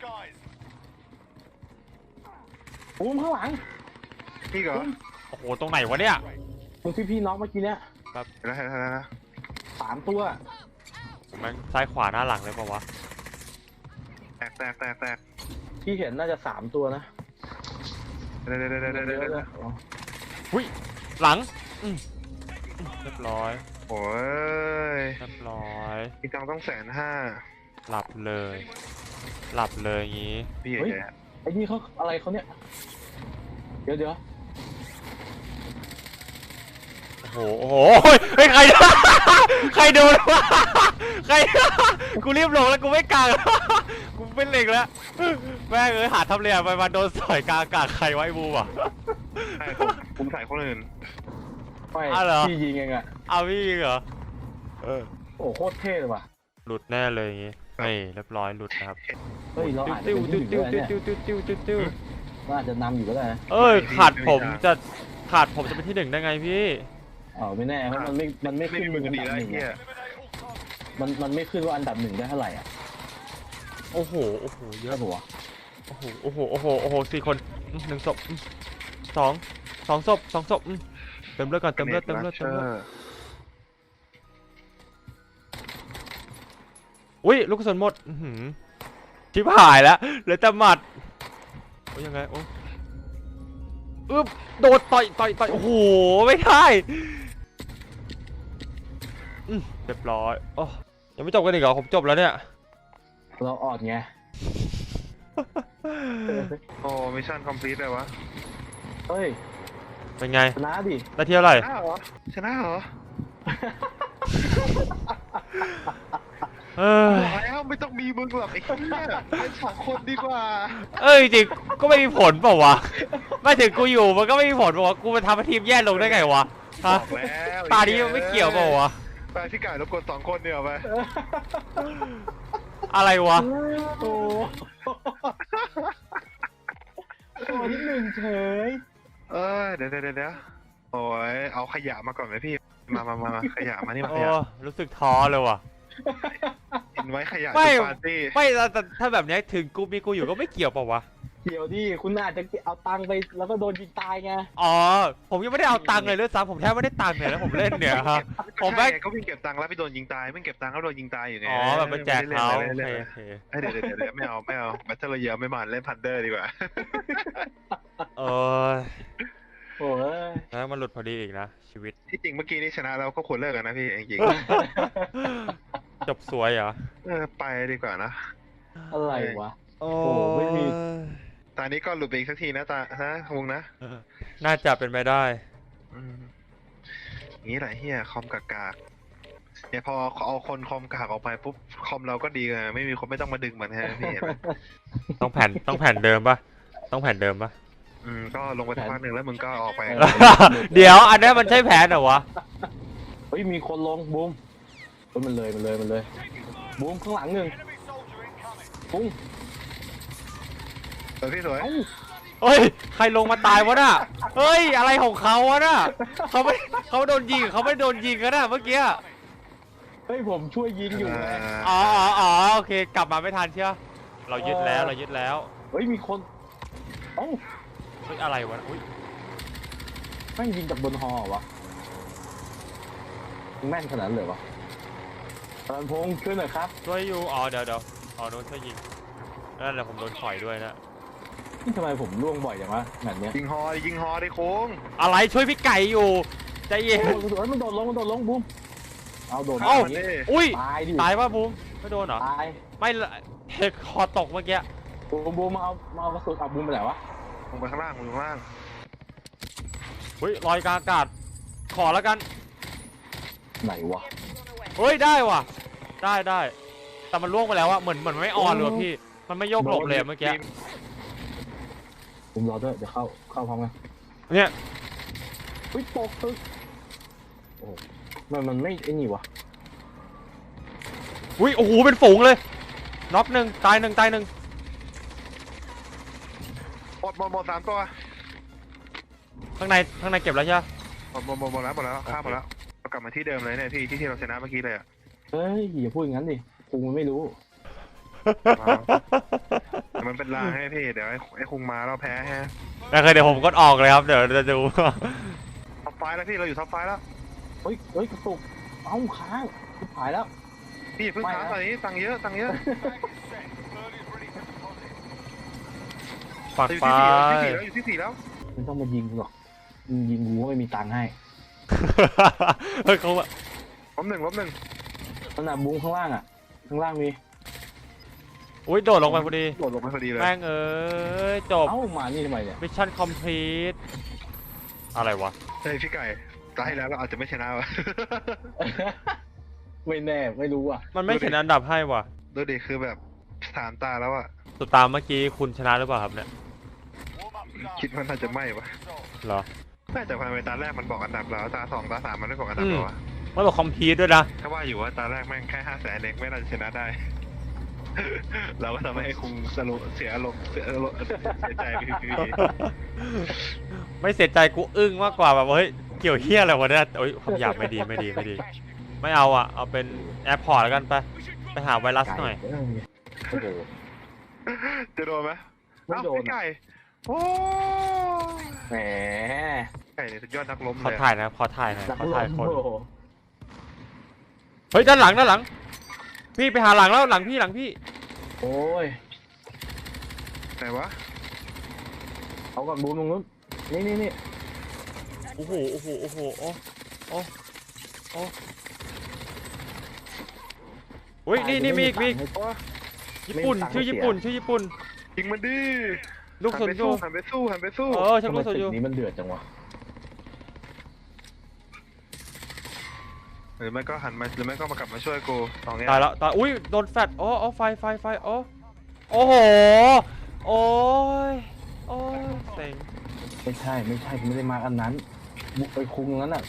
Speaker 1: บูมข้างหลัง
Speaker 2: พี่เหรอ
Speaker 3: โอ้โหตรงไหนวะเนี่ย
Speaker 1: ตรงที่พี่น็อกเมื่อกี้เนี้ย
Speaker 2: เห็นแล้วเห็นแล้วเห็นแล้ว
Speaker 1: สามตัว
Speaker 3: ผมแม่งซ้ายขวาหน้าหลังเลยปะวะ
Speaker 2: แตกแตกแตกแตก
Speaker 1: พี่เห็นน่าจะสามตัวนะ
Speaker 2: เดี๋ยวเดี๋ยวเดี๋ยวเดี๋ยว
Speaker 1: เย
Speaker 2: เดี๋ยว
Speaker 1: อะ
Speaker 2: เดี๋
Speaker 1: เล
Speaker 2: ยวย
Speaker 1: อ๋อ
Speaker 3: หุ้ยหลังอืมอืมเรียบร้อย
Speaker 2: โอ้ย
Speaker 3: เรียบร้อย
Speaker 2: อีกตังค์ต้องแสนห้า
Speaker 3: หลับเลย หลับเลยอย่างงี้
Speaker 2: พี่ใหญ่
Speaker 1: ไอ้นี่เขาอะไรเขาเนี่ยเดี๋ยวเดี๋ยว
Speaker 3: โอ้โหโอ้โหเฮ้ยใคร ใครโดนวะใคร กูรีบลงแล้วกูไม่กลาง กูเป็นเหล็กแล้วแม่งเอ้ยหาทำเรียไปมาโดนสอยกลางอากาศใครไวะไอ้บูมอ่ะ
Speaker 2: ใช่ผมผมใส่คนอื่น
Speaker 1: ไม่
Speaker 3: อ้าวเหรอ
Speaker 1: พี่ยิงเองอะ
Speaker 3: เอาพี่ยิงเหรอเออ
Speaker 1: โอ้โคตรเท่เลยว่ะ
Speaker 3: หลุดแน่เลยอย่างงี้นี่เรียบร้อยหลุดนะครับ
Speaker 1: เฮ้ยเราอาจจะ
Speaker 3: ติ้ว
Speaker 1: เป็นที่
Speaker 3: ติ้ว
Speaker 1: หนึ่ง
Speaker 3: ติ้
Speaker 1: ก็
Speaker 3: ว
Speaker 1: ได้
Speaker 3: ติ้ว
Speaker 1: เนี่ย
Speaker 3: ติ้วติ้วติ้วติ้ว
Speaker 1: เราอาจจะนำอยู่ก็ได้นะ
Speaker 3: เอ้ยขาดผมจะขาดผมจะเป็นที่หนึ่งได้ไงพี่
Speaker 1: อ๋อไม่แน่เพราะมันไม่มันไม่
Speaker 2: ไม่
Speaker 1: ขึ้น
Speaker 2: มี
Speaker 1: มื
Speaker 2: มื
Speaker 1: อ
Speaker 2: อ
Speaker 1: อัน
Speaker 2: ดี
Speaker 1: ดับ
Speaker 2: แล้ว
Speaker 1: หนึ่ง
Speaker 2: เฮีย
Speaker 1: อะมันมันไม่ขึ้นว่าอันดับหนึ่งได้เท่าไหร่อ่ะ
Speaker 3: โอ้โหโอ้โหเย
Speaker 1: เย
Speaker 3: อะ
Speaker 1: อะปะวะ
Speaker 3: โอ้โหโอ้โหโอ้โหโอ้โหสี่คนอืมหนึ่งศพอืมสองสองศพสองศพอืมเติมเลือดก่อนเติมเลือดเติมเลือดเติมเลือดอุ้ยลูกกระสุนหมดอื้อหือชิบหายแล้วเหลือแต่หมัดโอ้ยยังไงโอ้อึ๊บโดดต่อยต่อยต่อยโอ้โหไม่ได้อืมเรียบร้อยโอ้ยังไม่จบกันอีกเหรอผมจบแล้วเนี่ย
Speaker 1: เราออดไง
Speaker 2: โอ้มิชชั่นคอมพลีทเลยวะ
Speaker 1: เฮ้ย
Speaker 3: เป็นไง
Speaker 1: ชนะดิ
Speaker 3: ได้เที่ยวอะไร
Speaker 2: ชนะเหรอชนะเหรอ
Speaker 3: เออ
Speaker 2: บอกแล้วไม่ต้องมีมึงหรอกไอ้เหี้ยเป็นสองคนดีกว่า
Speaker 3: เอ้ยจริงๆก็ไม่มีผลเปล่าวะไม่ถึงกูอยู่มันก็ไม่มีผลเปล่าวะกูมาทำให้ทีมแย่ลงได้ไงวะ
Speaker 2: บ
Speaker 3: ฮะ
Speaker 2: อกแล้ว
Speaker 3: ตานี้มันไม่เกี่ยวเปล่าวะ
Speaker 2: ไปพี่ไก่รบกวนสองคนเดียวไป
Speaker 3: อะไรวะ
Speaker 1: โอ้โอ้ที่หนึ่งเฉย
Speaker 2: เออเดี๋ยวเดี๋ยวเดี๋ยวโอ้ยเอาขยะมาก่อนไหมพี่มามามามาขยะมานี่มา
Speaker 3: โอ้
Speaker 2: ขยะ
Speaker 3: รู้สึกท้อเลยว่ะ
Speaker 2: กินไว้ขยะ
Speaker 3: ไม่
Speaker 2: ที่ปาร์ตี้
Speaker 3: ไม่แต่แต่ถ้าแบบเนี้ยถึงกูมีกูอยู่ก็ไม่เกี่ยวเปล่าวะ
Speaker 1: เดี๋ยวดิคุณอาจจะเอาตังค์ไปแล้วก็โดนยิงตายไง
Speaker 3: อ๋อผมยังไม่ได้เอาตังค์เลยด้วยซ้ำผมแทบไม่ได้ตังค์เลยแล้วผมเล่นเนี่ยฮะ ผม
Speaker 2: ใช่
Speaker 3: แม่ง
Speaker 2: ไงก็วิ่งเก็บตังค์แล้วไปโดนยิงตายวิ่งเก็บตังค์แล้วโดนยิงตายอยู่ไง
Speaker 3: อ๋อแบบไปแจกเขาโอ
Speaker 2: ไม่
Speaker 3: เค
Speaker 2: ได้เล่น
Speaker 3: โอเค
Speaker 2: เอ้ยเดี๋ยวเดี๋ยวเดี๋ยวไม่เอาไม่เอาแบทเทิลเยอะไม่มันเล่นพันเดอร์ดีกว่า
Speaker 3: เออ
Speaker 1: โอ้ย
Speaker 3: แล้วมันหลุดพอดีอีกนะชีวิต
Speaker 2: ที่จริงเมื่อกี้นี่ชนะเราก็ควรเลิกกันนะพี่จริง
Speaker 3: จบสวยเหรอ
Speaker 2: ๆเออไปดีกว่านะ
Speaker 1: อะไรวะ
Speaker 3: โอ้
Speaker 1: ไม่มี
Speaker 2: ตอนนี้ก็หลุดไปอีกสักทีนะตานะวงนะ
Speaker 3: น่าจะเป็นไปได้
Speaker 2: อืมอย่างนี้แหละเฮียคอมกากากเนี่ยพอเอาคนคอมกากออกไปปุ๊บคอมเราก็ดีไงไม่มีคนไม่ต้องมาดึงมันฮะพี่เห็นไหม
Speaker 3: ต้องแผ่นต้องแผ่นเดิมปะต้องแผ่นเดิมปะ
Speaker 2: อืมก็ลงไปสักพักหนึ่งแล้วมึงก็ออกไป
Speaker 3: เดี๋ยวอันนี้มันใช่แผนเหรอวะ
Speaker 1: เฮ้ยมีคนลงบูมเฮ้ยมันเลยมันเลยมันเลยบูมข้างหลังหนึ่งปุ้ง
Speaker 2: สวยพี่สวย
Speaker 1: เอ้า
Speaker 3: เฮ้ยใครลงมาตายวะน่ะเฮ้ยอะไรของเขาวะน่ะเขาไม่เขาโดนยิงเขาไม่โดนยิงกันน่ะเมื่อกี้
Speaker 1: เฮ้ยผมช่วยยิงอยู่ไง
Speaker 3: อ๋ออ๋ออ๋อโอเคกลับมาไม่ทันเชียวเรายึดแล้วเรายึดแล้ว
Speaker 1: เฮ้ยมีคนเอ้า
Speaker 3: เฮ้ยอะไรวะอุ้ย
Speaker 1: แม่งยิงจากบนฮอเหรอวะแม่นขนาดนั้นเลยวะพลันพงษ์ช่วยหน่อยครับ
Speaker 3: ช่วยอยู่อ๋อเดี๋ยวเดี๋ยวอ๋อโดนช่วยยิงนั่นแหละผมโดนถอยด้วยนะ
Speaker 1: นี่ทำไมผมล่วงบ่อยจังวะแบบเนี้ย
Speaker 2: ยิงฮอดิยิงฮอดิโค้ง
Speaker 3: อะไรช่วยพี่ไก่อยู่ใจเย็น
Speaker 1: โอ้โหมันโดดลงมันโดดลงบูมเอาโดด
Speaker 3: เอ้า
Speaker 1: ย่งนี้
Speaker 3: อุ้ย
Speaker 1: ตายดิ
Speaker 3: ตายป่ะบูมไม่โดนเหรอ
Speaker 1: ตาย
Speaker 3: ไม่เฮกคอตกเมื่อกี้
Speaker 1: บูมบูมมาเอามาเอากระสุนเอาบูมไปไหนวะ
Speaker 2: ลงไปข้างล่างลงไปข้างล่าง
Speaker 3: เฮ้ยลอยกลางอากาศขอแล้วกัน
Speaker 1: ไหนวะ
Speaker 3: เฮ้ยได้ว่ะได้ได้แต่มันล่วงไปแล้วอะเหมือนเหมือนมันไม่ออนเลยว่ะพี่มันไม่โยกหลบเลยอะเมื่อกี้
Speaker 1: บูมรอด้วยเดี๋ยวเข้าเข้าพร้อมกัน
Speaker 3: เนี่ย
Speaker 1: เฮ้ยตกตึกโอ้โหมันมันไม่ไอ้นี่วะ
Speaker 3: อุ้ยโอ้โหเป็นฝูงเลยน็อกหนึ่งตายหนึ่งตายหนึ่ง
Speaker 2: หมดหมดหมดสามตัว
Speaker 3: ข้างในข้างในเก็บแล้วใช่ไหม
Speaker 2: หมดหมดหมดหมดแล้วหมดแล้วข้ามหมดแล้วเรากลับมาที่เดิมเลยเนี่ยพี่ที่ที่เราชนะเมื่อกี้เลยอ่ะ
Speaker 1: เฮ้ยอย่าพูดอย่างนั้นดิกูมันไม่รู้
Speaker 2: แต่มันเป็นลางให้พี่เดี๋ยวไอ้ไอ้คุงมาเราแพ้ฮะ
Speaker 3: โอเคเดี๋ยวผมกดออกเลยครับเดี๋ยวจะดู
Speaker 2: ท็อปไฟแล้วพี่เราอยู่ท็อปไฟแล้ว
Speaker 1: เฮ้ยเฮ้ยกระตุกเอ้าค้างชิบหายแล้ว
Speaker 2: พี่เพิ่งค้างตอนนี้ตังค์เยอะตังค์เยอะ
Speaker 3: ฝัก
Speaker 2: อยู่
Speaker 3: ไป
Speaker 2: ที่สี่แล้วอยู่ที่สี่แล้ว
Speaker 1: ไม่ต้องมายิงกูหรอกมึงยิงกูก็ไม่มีตังค์ให้
Speaker 3: เฮ้ยเขาอะ
Speaker 2: ล้มหนึ่งล้มหนึ่ง
Speaker 1: ขนาดบุ้งข้างล่างอ่ะข้างล่างมี
Speaker 3: อุ้ยโดดลงไปพอดี
Speaker 2: โดดลงไปพอดีเลย
Speaker 3: แม่งเอ้ยจบ
Speaker 1: เอ้ามานี่ทำไมเนี่ย
Speaker 3: มิชชั่นคอมพลีทอะไรวะ
Speaker 2: เฮ้ยพี่ไก่ตายแล้วเราอาจจะไม่ชนะวะ
Speaker 1: ไม่แน่ไม่รู้อ่ะ
Speaker 3: มันไม่เขียนอันดับให้ว่ะ
Speaker 2: ดูดิคือแบบสามตาแล้วอะ
Speaker 3: สุดตามเมื่อกี้คุณชนะหรือเปล่าครับเนี่ย
Speaker 2: คิดว่าน่าจะไม่วะ
Speaker 3: เหรอ
Speaker 2: น่าจะภายในตาแรกมันบอกอันดับแล้วตาสองตาสามมันไม่บอกอันดับ
Speaker 3: อืม
Speaker 2: หรอวะ
Speaker 3: มันบอกคอมพลีทด้วยนะ
Speaker 2: ถ้าว่าอยู่ว่าตาแรกแม่งแค่ห้าแสนเองไม่น่าจะชนะได้ เราก็ทำให้ไอ้คุงสรุปเสียอารมณ์เสียอารมณ์เสียใจไปที
Speaker 3: ไม่เสียใจกูอึ้งมากกว่าแบบว่าเฮ้ยเกี่ยวเฮี้ยอะไรวะเนี่ยโอ้ยคำหยาบไม่ดีไม่ดีไม่ดี ไม่เอาอ่ะเอาเป็นแอร์พอร์ตแล้วกันไปไปหาไวรัสหน่อย
Speaker 1: ไก่โอ้โห
Speaker 2: จะโดนไหม
Speaker 1: ไม่โดน
Speaker 2: เอ้าพี่ไก่โอ้
Speaker 1: แหม
Speaker 2: ไก่เนี่ยสุดยอดนักล้ม
Speaker 3: ขอ
Speaker 2: เลย
Speaker 3: ถ่ายนะขอถ่ายหน่อย
Speaker 1: นัก
Speaker 3: ขอ
Speaker 1: ล
Speaker 3: ถ่าย
Speaker 1: ม
Speaker 3: คน
Speaker 1: โอ้โห
Speaker 3: เฮ้ยด้านหลังด้านหลัง พี่ไปหาหลังแล้วหลังพี่หลังพี่
Speaker 1: โอ้ย
Speaker 2: ไหนวะ
Speaker 1: เอาก่อนบูมตรงนู้นนี่นี่นี่
Speaker 3: โอ้โหโอ้โหโอ้โหโอ้โอ้โอ้อุ้ยนี่นี่มีอีกมีอีก
Speaker 1: ให้
Speaker 2: โอ้
Speaker 3: ญี่ปุ่นชื่อญี่ปุ่นชื่อญี่ปุ่น
Speaker 2: ยิงมันดิ
Speaker 3: ลูก
Speaker 2: หั
Speaker 3: ส
Speaker 2: น
Speaker 3: น
Speaker 2: ไป
Speaker 3: ยู
Speaker 2: สู้หันไปสู้หันไปสู้
Speaker 3: เออฉัน
Speaker 1: ทำไม
Speaker 3: ลูกสน
Speaker 1: ตึ
Speaker 3: ยู
Speaker 1: กนี้มันเดือดจังวะ
Speaker 2: หรือไม่ก็หันมาหรือไม่ก็มากลับมาช่วยกูสองอย่าง
Speaker 3: ตายแล้วตายอุ้ยโดนแฟลชโอ้โอ้ไฟไฟไฟโอ้โอ้โหโอ้ยโอ้ยเซ็ง
Speaker 1: ไม่ใช่ไม่ใช่กูไม่ได้มาอันนั้นบุกไปคุงตรงนั้นอ่ะ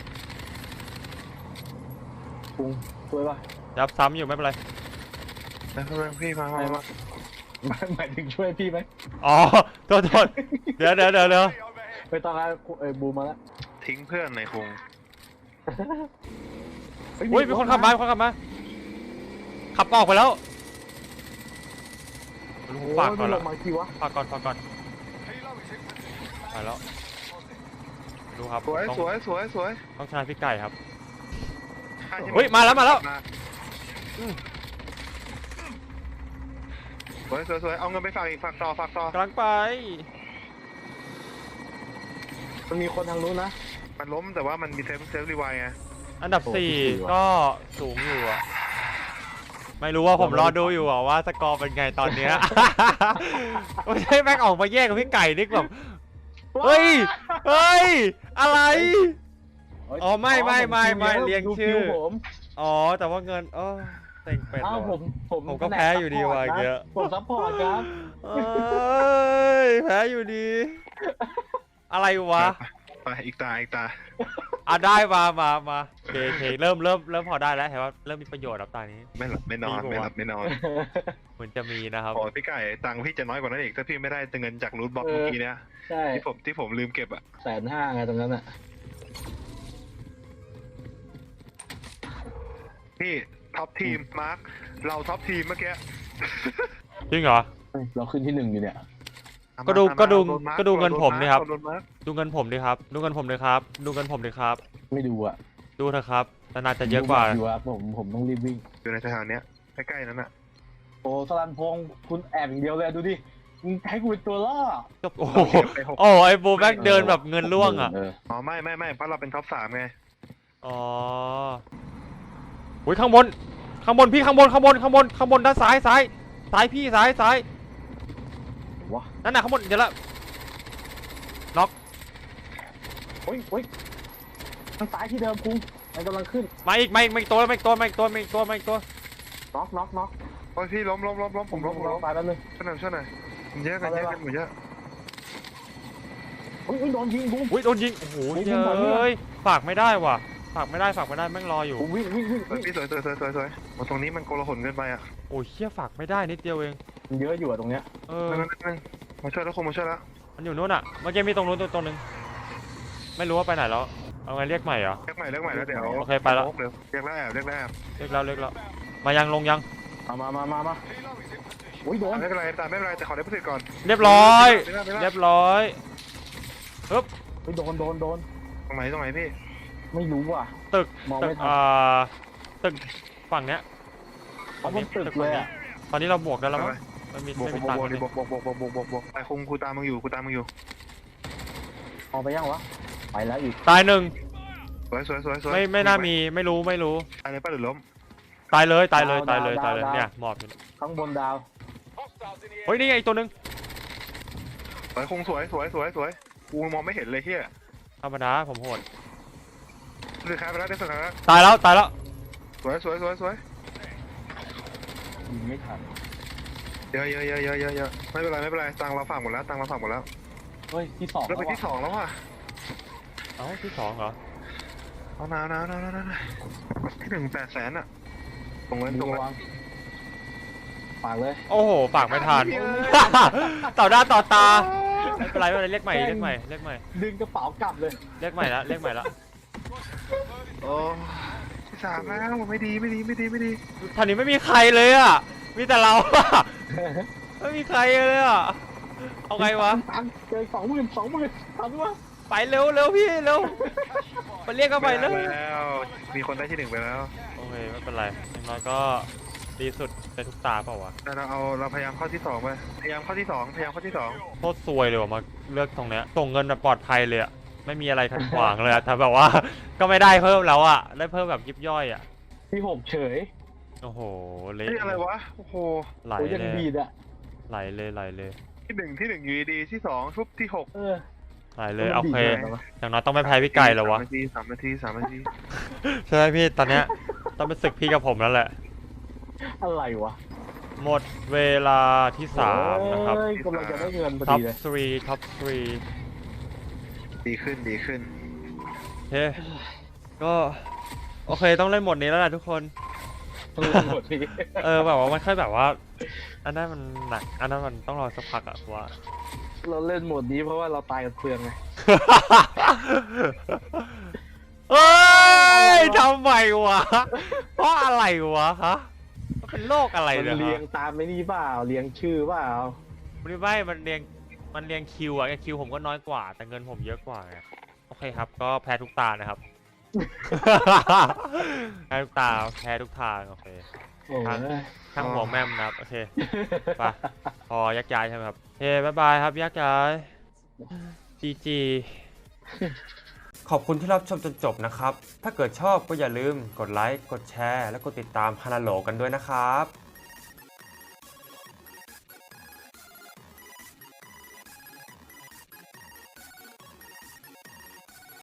Speaker 1: คุงช่วยป่ะ
Speaker 3: ยับซ้ำอยู่ไม่เป็นไร
Speaker 2: แล้วเพื่อนพี่มามามา
Speaker 1: หมายหมายถึงช่วยพี่ไหม
Speaker 3: อ๋อโทษโทษเดี๋ยวเดี๋ยวเดี๋ยวเดี๋ยว
Speaker 1: ไม่ต้องแล้วเอ้ยบูมมาแล้ว
Speaker 2: ทิ้งเพื่อนในคุง
Speaker 3: อุ้ยมีคนขับมามีคนขับมาขับออกไปแล้ว
Speaker 1: โอ้
Speaker 3: ฝากก่อน
Speaker 1: ล
Speaker 3: ละ
Speaker 1: งมาทีวะ
Speaker 3: ฝากก่อนฝากก่อนไปแล้วดูครับ
Speaker 2: สวย
Speaker 3: ต้อง
Speaker 2: สวยสวยสวย
Speaker 3: ต้องชนะพี่ไก่ครับ
Speaker 2: ใช่ใช่ไห
Speaker 3: เฮ้ยมาแล้วมาแล้ว
Speaker 2: อืมสวยสวยสวยเอาเงินไปฝากอีกฝากต่อฝากต่อก
Speaker 3: ำลังไป
Speaker 1: มันมีคนทางนู้นนะ
Speaker 2: มันล้มแต่ว่ามันมีเซฟเซฟรีไวไง
Speaker 3: อันดับ
Speaker 1: โอ้
Speaker 3: สี่
Speaker 1: พี่ว่ะ
Speaker 3: ก็สูงอยู่อะไม่รู้ว่าผมรอดูอยู่อะว่าสกอร์เป็นไงตอนเนี้ย ไม่ใช่แม่งออกมาแย่งกับพี่ไก่นี่แบบเฮ้ยเฮ้ยอะไร อ๋อไม่ไม่ไม่ไม่เรียงชื่อ
Speaker 1: ดูคิวผม
Speaker 3: อ๋อแต่ว่าเงินเออเต็งเป็น
Speaker 1: อ้าว
Speaker 3: ว่ะ
Speaker 1: ผมผม
Speaker 3: ผมก็แพ้อยู่ดีว่ะอย่างเงี้ย
Speaker 1: ผมซัพพอร์ตครับ
Speaker 3: เอ้ยแพ้อยู่ดี อะไรวะ
Speaker 2: ไปอีกตาอีกตา
Speaker 3: อ่ะได้มามามาโอเคโอเคเริ่มเริ่มเริ่มพอได้แล้วเห็นว่าเริ่มมีประโยชน์ครับตอนนี้
Speaker 2: ไม่หลับไม่นอน
Speaker 3: ดีกว่า
Speaker 2: ไม่หลับไม่นอน
Speaker 3: เหมือนจะมีนะครับ
Speaker 2: โอ้พี่ไก่ตังค์พี่จะน้อยกว่านั้นอีกถ้าพี่ไม่ได้เงินจากรูทบ็อกเมื่อกี้เนี้ย
Speaker 1: ใช่
Speaker 2: ที่ผมที่ผมลืมเก็บอะ
Speaker 1: แสนห้าไงตรงนั้นอ่ะ
Speaker 2: พี่ท็อปทีมมาร์คเราท็อปทีมเมื่อกี้
Speaker 3: จริงเหรอ
Speaker 1: เฮ้ยเราขึ้นที่หนึ่งอยู่เนี่ย
Speaker 3: ก็ดู
Speaker 2: ตามมา
Speaker 3: ก็ดู
Speaker 2: โมาร์ค
Speaker 3: ก็ดูเงินผมดิครับ
Speaker 2: โดนมาร์ค
Speaker 3: ดูเงินผมดิครับ ดูเงินผมดิครับ ดูเงินผมดิครับ
Speaker 1: ไม่ดูอ่ะ
Speaker 3: ดูเถอะครับนานๆจะเยอะกว่า
Speaker 1: ดูครับผมผมต้องรีบวิ่ง
Speaker 2: อยู่ในแถวๆเนี้ยใกล้ๆนั้นอะ
Speaker 1: โอ้สลันพงษ์คุณแอบอย่างเดียวเลยดูดิมึงให้กูเป็นตัวล่อ
Speaker 3: โอ้โห
Speaker 2: เราเก็บไปหก
Speaker 3: โอ้ไอ้บูแบ็กเดินแบบเงินล่วงอ่ะ
Speaker 1: เ
Speaker 2: อ๋อไม่ไม่ไม่เพราะเราเป็นท็อปสามไง
Speaker 3: อ๋ออุ้ยข้างบน ข้างบนพี่ข้างบนข้างบนข้างบนข้างบนด้านซ้ายซ้ายซ้ายพี่ซ้ายซ้าย
Speaker 1: วะ
Speaker 3: นั่นน่ะข้างบนเดี๋ยวละ
Speaker 1: โอ้ยโอ้ยทางซ้ายที่เดิมคุงมันกำลังขึ้น
Speaker 3: มาอีกมาอีกมาอีกตัวมาอีกตัวมาอีกตัวมาอีกตัวมาอีกตัว
Speaker 1: น็อกน็อกน็อก
Speaker 2: โอ้ยพี่ล้มล้มล้มล้มผมล้มผมล้ม
Speaker 1: ไปแล้วนึง
Speaker 2: ช่วยหน่อยช่วยหน่อยมันเยอะกันเยอะกันหมดเยอะ
Speaker 1: อุ้ยโดนยิงคุง
Speaker 3: อุ้ยโดนยิงโอ้โห
Speaker 1: โอ้ย
Speaker 3: เ
Speaker 1: ยิงก่อนเนี่ย
Speaker 3: ฮ้ยฝากไม่ได้ว่ะฝากไม่ได้ฝากไม่ได้แม่งรออยู่
Speaker 1: วิ่งวิ่งวิ่ง
Speaker 2: สวยพี่สวยสวยสวยสวยสวยโอ้ตรงนี้มันโกลาหลเกินไปอ่ะ
Speaker 3: โอ้ยเชี่ยฝากไม่ได้นิดเดียวเอง
Speaker 1: มันเยอะอยู่อะตรงเนี้ย
Speaker 3: เออ
Speaker 2: นั่นนั่นนั่นมาช่วยแล้วคงมาช่วยแล้ว
Speaker 3: มันอยู่นู้นอ่ะเมื่อกี้มีตรงนู้นตัวตัวหนึงไม่รู้ว่าไปไหนแล้วเอาไงเรียกใหม่เหรอ
Speaker 2: เรียกใหม่เรียกใหม่แล้วเดี๋ยว
Speaker 3: โอเคไปแล้ว
Speaker 2: เดี๋ยวเรียกแล้วแอบเรียกแล้วแอบ
Speaker 3: เรียกแล้วเรียกแล้วมายังลงยัง
Speaker 1: เอามามามามาอุ้ยโดน
Speaker 2: ไม่เป็นไรตามไม่เป็นไรแต่ขอได้พิเศษก่อน
Speaker 3: เรียบร้อย
Speaker 2: ไม่ได้ไม่ได้
Speaker 3: เรียบร้อยปึ๊บ
Speaker 1: อุ้ยโดนโดนโดน
Speaker 2: ตรงไหนตรงไหนพี่
Speaker 1: ไม่รู้ว่ะ
Speaker 3: ตึก
Speaker 1: มอง
Speaker 3: ตึ
Speaker 1: ไม่
Speaker 3: ก
Speaker 1: ทัน
Speaker 3: อ่าตึกฝั่งเนี้ย
Speaker 1: เขาเป็นตึกเลยอะ
Speaker 3: ตอนนี้เราบวกได้แล้วมั้งไม่มี
Speaker 2: บวก
Speaker 3: ไม่
Speaker 2: บ
Speaker 3: มี
Speaker 2: วก
Speaker 3: ตัง
Speaker 2: บวก
Speaker 3: ค์
Speaker 2: ดิ
Speaker 3: เลย
Speaker 2: บวกบวกบวกบวกบวกบวกบวกไอ้คงกูตามมึงอยู่กูตามมึงอยู่
Speaker 1: เอาไปยังวะไปแล้วอีก
Speaker 3: ตายหนึ่ง
Speaker 2: สวยสวยสวยสวย
Speaker 3: ไม่ไม่น่ามีไม่รู้ไม่รู้
Speaker 2: ตายเลยป้าหรือล้ม
Speaker 3: ตายเลยตายเลยตายเลยตายเลยเนี่ยหมอบอยู่เนี่ย
Speaker 1: ข้างบนดาว
Speaker 3: เฮ้ยนี่ไงอีกตัวหนึง
Speaker 2: สวยคงสวยสวยสวยสวยกูมองไม่เห็นเลยเฮีย
Speaker 3: ธรรมดาผมโหด
Speaker 2: สุดท้ายไปแล้วได้สุดท้ายแล้ว
Speaker 3: ตายแล้วตายแล้ว
Speaker 2: สวยสวยสวยสวย
Speaker 1: ยิงไม่ทัน
Speaker 2: เยอะเยอะเยอะเยอะเยอะเยอะไม่เป็นไรไม่เป็นไรตังเราฝากหมดแล้วตังเราฝากหมดแล้ว
Speaker 1: เฮ้ยที่สอง
Speaker 2: เราไป
Speaker 1: แล้ว
Speaker 2: ที่
Speaker 1: ว่ะ
Speaker 2: สองแล้วว่ะ
Speaker 3: เอ้าที่สองเหรอ
Speaker 2: เอานานานานานาที่หนึ่งแปดแสนอะตรงนั้นต
Speaker 1: ดู
Speaker 2: รงนั้น
Speaker 1: วางฝากเลย
Speaker 3: โอ้โหฝากไม่ทัน ต่อหน้าต่อตาไม่เป็นไรไม่เป็นไรเรียกใหม่เรียกใหม่เรียกใหม่
Speaker 1: ดึงกระเป๋ากลับเลย
Speaker 3: เรียกใหม่ละเรียกใหม่ละ
Speaker 2: โอ้ที่สามแล้วไม่ดีไม่ดีไม่ดีไม่ดี
Speaker 3: ท่านี้ไม่มีใครเลยอ่ะมีแต่เราอะไม่มีใครเลยอ่ะเอาไงวะ
Speaker 1: ตังค์เจอสองหมื่นสองหมื่นทำวะ
Speaker 3: ไปเร็วเร็วพี่เร็วไปเรียกกันไปเลย
Speaker 2: ม่ด้แล้วมีคนได้ที่หนึ่งไปแล้ว
Speaker 3: โอเคไม่เป็นไรอย่างน้อยก็ดีสุดในทุกตาเปล่าวะ
Speaker 2: แต่เราเอาเราพยายามเข้าที่สองไปพยายามเข้าที่สองพยายามเข้าที่สอง
Speaker 3: โคตรซวยเลยว่ะมาเลือกตรงเนี้ยส่งเงินแบบปลอดภัยเลยอ่ะไม่มีอะไรขัดขวางเลยอ่ะแต่แบบว่า ก็ไม่ได้เพิ่มแล้วอ่ะได้เพิ่มแบบยิบย่อยอ่ะ
Speaker 1: ที่หกเฉย
Speaker 3: โอ้โหเละ
Speaker 2: นี่อะไรวะโอ้โห
Speaker 3: ไหล
Speaker 1: โอ้ยยัง
Speaker 3: เลย
Speaker 1: ดีดอะ
Speaker 3: ไหลเลยไหลเลย
Speaker 2: ที่หนึ่งที่หนึ่งอยู่ดีๆที่สองทุบที่หก
Speaker 1: เออ
Speaker 3: ไหลเลยโอเค
Speaker 1: มันดีดเลย
Speaker 3: อย่างน้อยต้องไม่แพ้พี่ไก่แล้ววะ
Speaker 2: สามนาทีสามนาทีสามนาที
Speaker 3: ใช่ไหมพี่ตอนเนี้ยต้องเป็นศึกพี่กับผมแล้วแหละ
Speaker 1: อะไรวะ
Speaker 3: หมดเวลาที่สามนะครับ
Speaker 1: เอ้ยกำลังจะได้เงินพอ
Speaker 3: ท็อป
Speaker 1: ดีเลย
Speaker 3: สามท็อปสาม
Speaker 2: ดีขึ้นดีขึ้น
Speaker 3: โอเคก็โอเคต้องเล่นหมดนี้แล้วแหละทุกคน
Speaker 1: หมดที
Speaker 3: เออแบบว่ามันค่อยแบบว่า อันนั้นมันหนักอันนั้นมันต้องรอสักพักอะว่า
Speaker 1: เราเล่นโหมดนี้เพราะว่าเราตายกันเปลืองไง
Speaker 3: เฮ้ยทำไมวะเพราะอะไรวะฮะมันเป็นโรคอะไร
Speaker 1: มัน
Speaker 3: เนี่ย
Speaker 1: เรียง
Speaker 3: ฮะ
Speaker 1: ตามไม่นี่เปล่าเรียงชื่อเปล่า
Speaker 3: มันไม่มันเรียงมันเรียงคิวอะคิวผมก็น้อยกว่า แต่เงินผมเยอะกว่าไงโอเคครับก็แพ้ทุกตานะครับ แพ้ทุกตาแพ้ทุกทางโอเค
Speaker 1: โอ้ย
Speaker 3: ทั้งหัวแม่มนะครับโอเคไปพอยักย้ายใช่ไหมครับเฮ้บายบายครับยักย้ายจีจีขอบคุณที่รับชมจนจบนะครับถ้าเกิดชอบก็อย่าลืมกดไลค์กดแชร์และกดติดตามฮานาโหลกันด้วยนะครับ